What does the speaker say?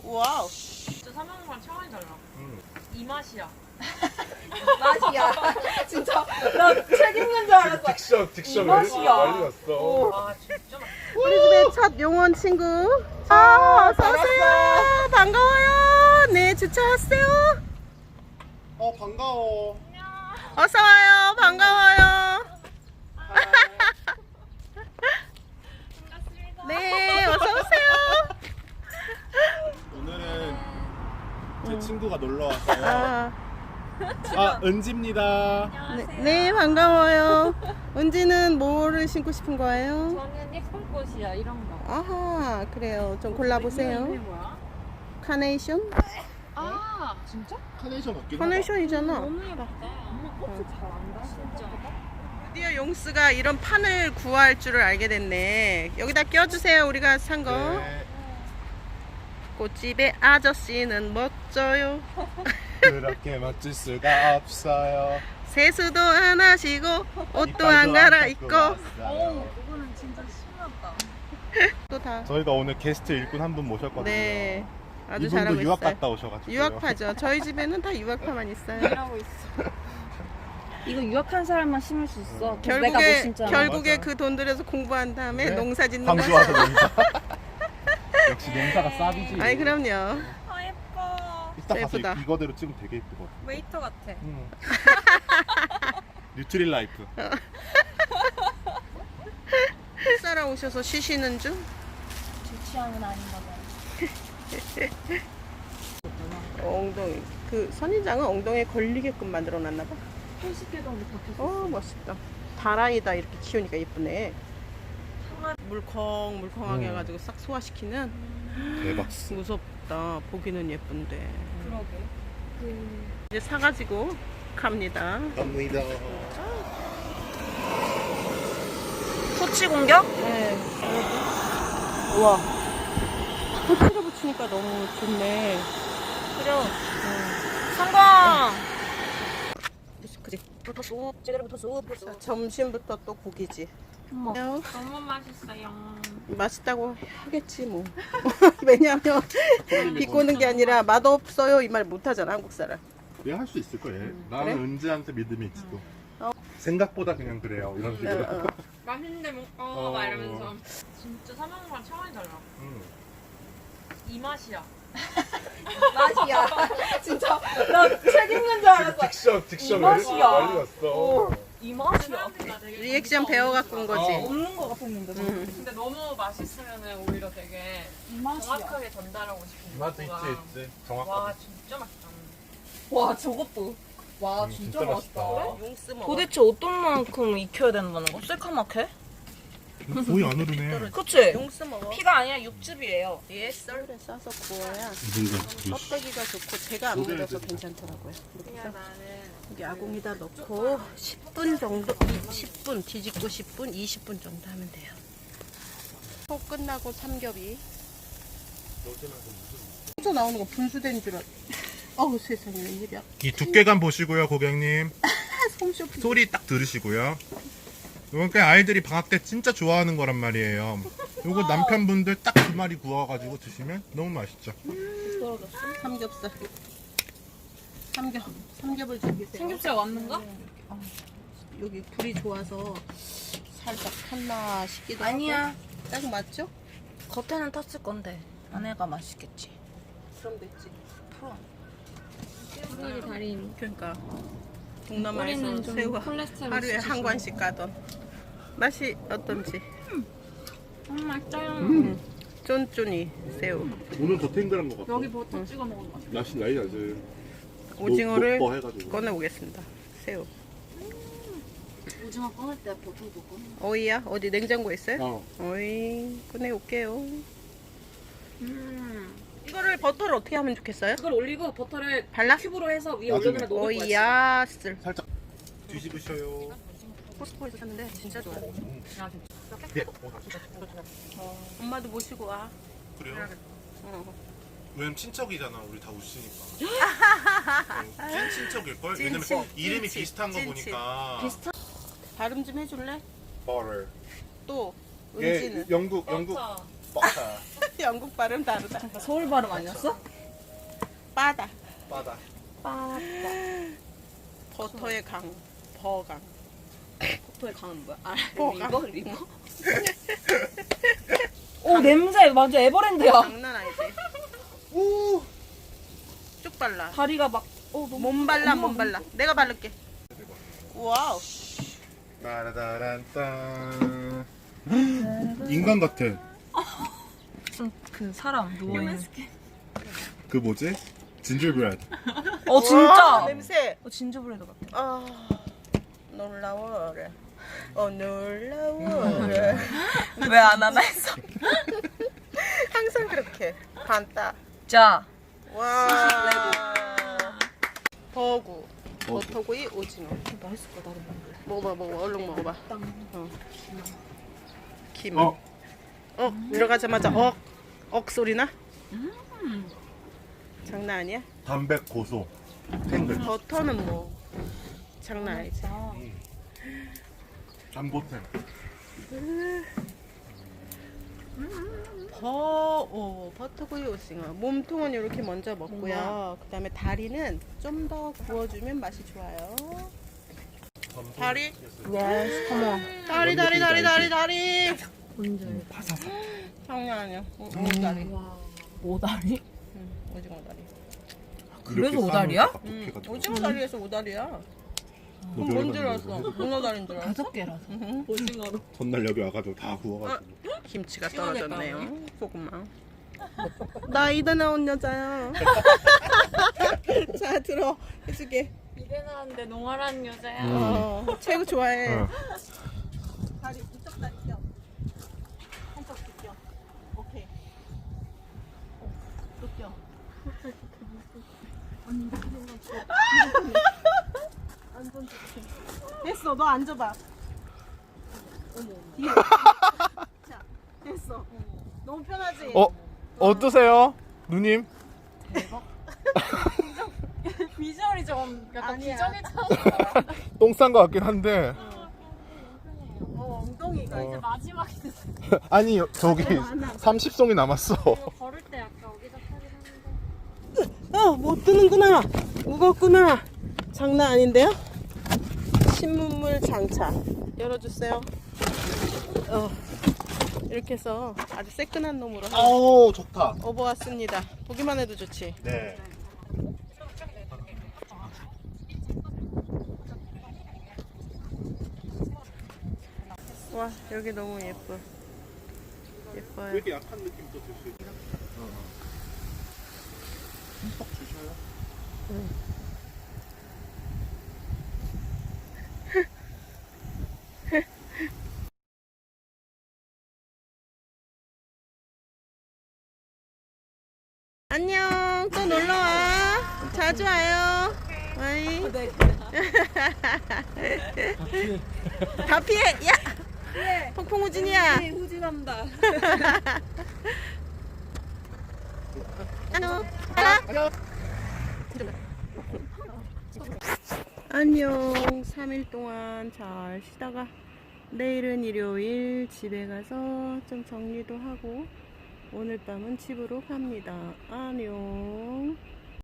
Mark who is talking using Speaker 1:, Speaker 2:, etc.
Speaker 1: 와우.
Speaker 2: 진짜 사먹는 차원이 달라. 이 맛이야.
Speaker 1: 맛이야. 진짜 나 책 읽는 줄 알았어.
Speaker 3: 딕션
Speaker 1: 이 맛이야.
Speaker 3: 난리 났어.
Speaker 2: 아 진짜 맛있어.
Speaker 1: 우리 집에 첫 용원 친구. 어서 오세요. 반가워요. 네, 주차 왔어요.
Speaker 3: 반가워.
Speaker 1: 어서 와요. 반가워요. 네, 어서 오세요.
Speaker 3: 오늘은 제 친구가 놀러 왔어요. 은지입니다.
Speaker 1: 네, 반가워요. 은지는 뭐를 신고 싶은 거예요?
Speaker 2: 저는 예쁜 꽃이야 이런 거.
Speaker 1: 아하, 그래요. 좀 골라보세요.
Speaker 2: 이게 뭐야?
Speaker 1: 카네이션?
Speaker 2: 아 진짜?
Speaker 3: 카네이션 없긴
Speaker 1: 카네이션이잖아.
Speaker 2: 너무 예쁘다. 엄마 꽃을 잘 안다 진짜.
Speaker 1: 드디어 용스가 이런 판을 구할 줄을 알게 됐네. 여기다 껴주세요. 우리가 산 거.
Speaker 3: 네,
Speaker 1: 꽃집의 아저씨는 멋져요.
Speaker 3: 그렇게 멋질 수가 없어요.
Speaker 1: 세수도 안 하시고 옷도
Speaker 3: 이빨도
Speaker 1: 안 갈아입고
Speaker 3: 깎고
Speaker 2: 오
Speaker 3: 왔어요.
Speaker 2: 그거는 진짜 심하다.
Speaker 1: 또 다.
Speaker 3: 저희가 오늘 게스트 일꾼 한 분 모셨거든요.
Speaker 1: 네, 아주
Speaker 3: 이분도
Speaker 1: 잘하고
Speaker 3: 유학
Speaker 1: 있어요.
Speaker 3: 갔다 오셔가지고.
Speaker 1: 유학파죠. 저희 집에는 다 유학파만 있어요.
Speaker 2: 일하고 있어. 이거 유학한 사람만 심을 수 있어.
Speaker 1: 결국에
Speaker 3: 맞아.
Speaker 1: 그 돈 들여서 공부한 다음에
Speaker 3: 네.
Speaker 1: 농사 짓는
Speaker 3: 광주
Speaker 1: 거죠.
Speaker 3: 와서 농사. 역시 농사가 쌉이지.
Speaker 1: 아이 그럼요.
Speaker 2: 아 예뻐.
Speaker 3: 이따 가서
Speaker 1: 예쁘다.
Speaker 3: 이거대로 찍으면 되게 예쁘거든.
Speaker 2: 웨이터 같아.
Speaker 3: 뉴트릴 라이프.
Speaker 1: 살아 오셔서 쉬시는 중.
Speaker 2: 제 취향은 아닌 거잖아.
Speaker 1: 엉덩이. 그 선인장은 엉덩이에 걸리게끔 만들어 놨나 봐.
Speaker 2: 80개도 안 박혔어.
Speaker 1: 멋있다. 다라이다 이렇게 키우니까 예쁘네. 물컹물컹하게 해가지고 싹 소화시키는.
Speaker 3: 대박.
Speaker 1: 무섭다. 보기는 예쁜데.
Speaker 2: 그러게.
Speaker 1: 이제 사가지고 갑니다.
Speaker 3: 갑니다.
Speaker 2: 토치 공격?
Speaker 1: 네. 우와. 토치를 붙이니까 너무 좋네.
Speaker 2: 그래. 성공.
Speaker 1: 그래.
Speaker 2: 붙었어. 제대로 붙었어.
Speaker 1: 자, 점심부터 또 고기지.
Speaker 2: 어머. 너무 맛있어요.
Speaker 1: 맛있다고 하겠지 뭐. 왜냐면 비꼬는 게 아니라 맛없어요 이 말 못하잖아 한국 사람.
Speaker 3: 내가 할 수 있을 거야. 나는
Speaker 1: 그래?
Speaker 3: 은지한테 믿음이 있어. 생각보다 그냥 그래요. 이런 식으로.
Speaker 2: 맛있는데 먹어
Speaker 3: 어.
Speaker 2: 막 이러면서. 진짜 사먹는 거랑 차원이 달라. 이 맛이야.
Speaker 1: 맛이야. 진짜 나 책 읽는 줄 알았어.
Speaker 3: 딕션
Speaker 1: 이 맛이야.
Speaker 3: 난리 났어.
Speaker 2: 이 맛이야.
Speaker 1: 리액션 배워갖고 온 거지.
Speaker 2: 없는 거 같았는데. 근데 너무 맛있으면 오히려 되게 정확하게 전달하고 싶은
Speaker 3: 맛도
Speaker 2: 거가.
Speaker 3: 있지. 정확하게.
Speaker 2: 와 진짜 맛있다.
Speaker 4: 와 저것도 와
Speaker 3: 진짜
Speaker 4: 진짜
Speaker 3: 맛있다.
Speaker 4: 맛있다.
Speaker 1: 용스 먹어.
Speaker 4: 도대체 어떤 만큼 익혀야 된다는 거? 새카맣게?
Speaker 3: 거의 안 흐르네.
Speaker 4: 그치?
Speaker 1: 용스 먹어.
Speaker 4: 피가 아니라 육즙이에요.
Speaker 1: 얘 썰에 싸서 구워야
Speaker 3: 뭔가
Speaker 1: 껍데기가 좋고 제가 안 묻어서 괜찮더라고요.
Speaker 2: 그냥 나는
Speaker 1: 여기 아궁이다 넣고 10분 정도, 10분 뒤집고 10분, 20분 정도 하면 돼요. 속 끝나고 삼겹이. 혼자 나오는 거 분수된 줄 알아. 어우 세상에 웬일이야.
Speaker 3: 이 두께감 보시고요, 고객님.
Speaker 1: 솜쇼피.
Speaker 3: 소리 딱 들으시고요. 이건 그냥 아이들이 방학 때 진짜 좋아하는 거란 말이에요. 요거 남편분들 딱 두 마리 구워가지고 드시면 너무 맛있죠.
Speaker 1: 삼겹살. 삼겹을 즐기세요.
Speaker 4: 삼겹살 왔는가?
Speaker 1: 여기 불이 좋아서 살짝 탔나 싶기도
Speaker 4: 아니야.
Speaker 1: 하고. 딱 맞죠?
Speaker 4: 겉에는 탔을 건데 안에가 맛있겠지.
Speaker 1: 그럼 됐지.
Speaker 2: 소리 달인.
Speaker 1: 그러니까 동남아에서
Speaker 2: 꼬리는 좀
Speaker 1: 새우가
Speaker 2: 콜레스테롤
Speaker 1: 하루에 한 관씩 가던. 맛이 어떤지.
Speaker 2: 맛있어요.
Speaker 1: 쫀쫀이 새우.
Speaker 3: 오늘 더 탱글한 것 같아.
Speaker 2: 여기 버터 찍어 먹으면 맛있어.
Speaker 3: 맛이 나이 나지.
Speaker 1: 오징어를
Speaker 3: 녹 해가지고.
Speaker 1: 꺼내보겠습니다. 새우.
Speaker 4: 오징어 꺼낼 때 버터 넣고.
Speaker 1: 어이야? 어디 냉장고에 있어요?
Speaker 3: 어.
Speaker 1: 어이, 꺼내올게요. 이거를 버터를 어떻게 하면 좋겠어요?
Speaker 4: 그걸 올리고 버터를
Speaker 1: 발라?
Speaker 4: 큐브로 해서 위에
Speaker 3: 나중에.
Speaker 4: 올려놓으면 녹을 거야.
Speaker 1: 어이야, 쓸.
Speaker 3: 살짝 뒤집으셔요.
Speaker 1: 코스코에서 샀는데 진짜 좋아요.
Speaker 3: 네.
Speaker 1: 엄마도 모시고 와.
Speaker 3: 그래요?
Speaker 1: 어.
Speaker 3: 왜냐면 친척이잖아. 우리 다 우시니까. 찐 친척일걸?
Speaker 1: 찐친,
Speaker 3: 왜냐면 이름이
Speaker 1: 찐친,
Speaker 3: 비슷한 거
Speaker 1: 찐친.
Speaker 3: 보니까.
Speaker 4: 비슷한?
Speaker 1: 발음 좀 해줄래?
Speaker 3: 버터.
Speaker 1: 또
Speaker 3: 예,
Speaker 1: 은지는
Speaker 3: 영국
Speaker 4: 버터.
Speaker 3: 버터.
Speaker 1: 영국 발음 다르다.
Speaker 4: 서울 발음 아니었어?
Speaker 1: 바다.
Speaker 3: 바다.
Speaker 4: 빠빠.
Speaker 1: 버터의 강. 버강.
Speaker 4: 포토의 강은 뭐야? 아,
Speaker 1: 버강.
Speaker 4: 리버? 오 냄새 완전 에버랜드야.
Speaker 1: 장난 아니지.
Speaker 3: 오.
Speaker 1: 쭉 발라.
Speaker 4: 다리가 막 너무
Speaker 1: 몸 발라, 몸 발라. 내가 바를게. 와우.
Speaker 3: 따라다란딴. 인간 같아.
Speaker 4: 그 사람 누워 있는.
Speaker 3: 그 뭐지? 진저브레드.
Speaker 1: 와,
Speaker 4: 진짜.
Speaker 1: 냄새.
Speaker 4: 진저브레드 같아.
Speaker 1: 아, 놀라워래. 놀라워래.
Speaker 4: 왜 안 하나 했어?
Speaker 1: 항상 그렇게. 반따.
Speaker 4: 자.
Speaker 1: 와. 버구. 버터구이 오징어.
Speaker 4: 맛있을 거야 나도 먹을래.
Speaker 1: 먹어봐. 얼른 먹어봐. 어. 김.
Speaker 3: 어.
Speaker 1: 들어가자마자 억 소리 나? 장난 아니야?
Speaker 3: 담백 고소. 탱글.
Speaker 1: 버터는 뭐 장난 아니지.
Speaker 3: 잠보템.
Speaker 1: 버터구이 오징어. 몸통은 이렇게 먼저 먹고요. 그 다음에 다리는 좀 더 구워주면 맛이 좋아요. 다리?
Speaker 4: 예스. 컴온.
Speaker 1: 다리.
Speaker 4: 뭔지.
Speaker 3: 파사삭.
Speaker 1: 장난 아니야. 오다리.
Speaker 4: 오다리?
Speaker 1: 오징어 다리.
Speaker 4: 그래서 오다리야?
Speaker 1: 오징어 다리에서 오다리야. 그럼 뭔 줄 알았어? 문어 다리인 줄 알았어?
Speaker 4: 5개라서.
Speaker 2: 오징어로.
Speaker 3: 전날 여기 와가지고 다 구워가지고.
Speaker 1: 김치가 떨어졌네요. 소금만. 나이다 나온 여자야. 자 들어 해줄게.
Speaker 2: 입에 나왔는데 농활한 여자야.
Speaker 1: 최고 좋아해.
Speaker 3: 어.
Speaker 1: 다리 이쪽 다리 껴. 한쪽 껴. 오케이. 또 껴. 완전 좋게. 됐어. 너 앉아봐. 뒤에. 자, 됐어. 너무 편하지?
Speaker 3: 어떠세요? 누님?
Speaker 2: 비주얼이 좀 약간
Speaker 1: 아니야.
Speaker 2: 비정해졌어.
Speaker 3: 똥 싼 것 같긴 한데.
Speaker 1: 엉덩이가 이제
Speaker 2: 마지막에
Speaker 3: 아니 저기 30송이 남았어.
Speaker 2: 걸을 때 약간 어기적하긴 하는데.
Speaker 1: 못 뜨는구나. 무겁구나. 장난 아닌데요? 신문물 장착. 열어주세요. 이렇게 해서 아주 새끈한 놈으로
Speaker 3: 아우 좋다.
Speaker 1: 업어왔습니다. 보기만 해도 좋지.
Speaker 3: 네.
Speaker 1: 와, 여기 너무 예뻐요.
Speaker 3: 되게 약한 느낌 또 줄 수 있어. 흠뻑 주셔요. 안녕. 또 놀러 와. 자주 와요. 와이. 다 피해. 야. 폭풍우진이야.
Speaker 2: 후진한다.
Speaker 1: 안녕. 3일 동안 잘 쉬다가 내일은 일요일 집에 가서 좀 정리도 하고 오늘 밤은 집으로 갑니다. 안녕.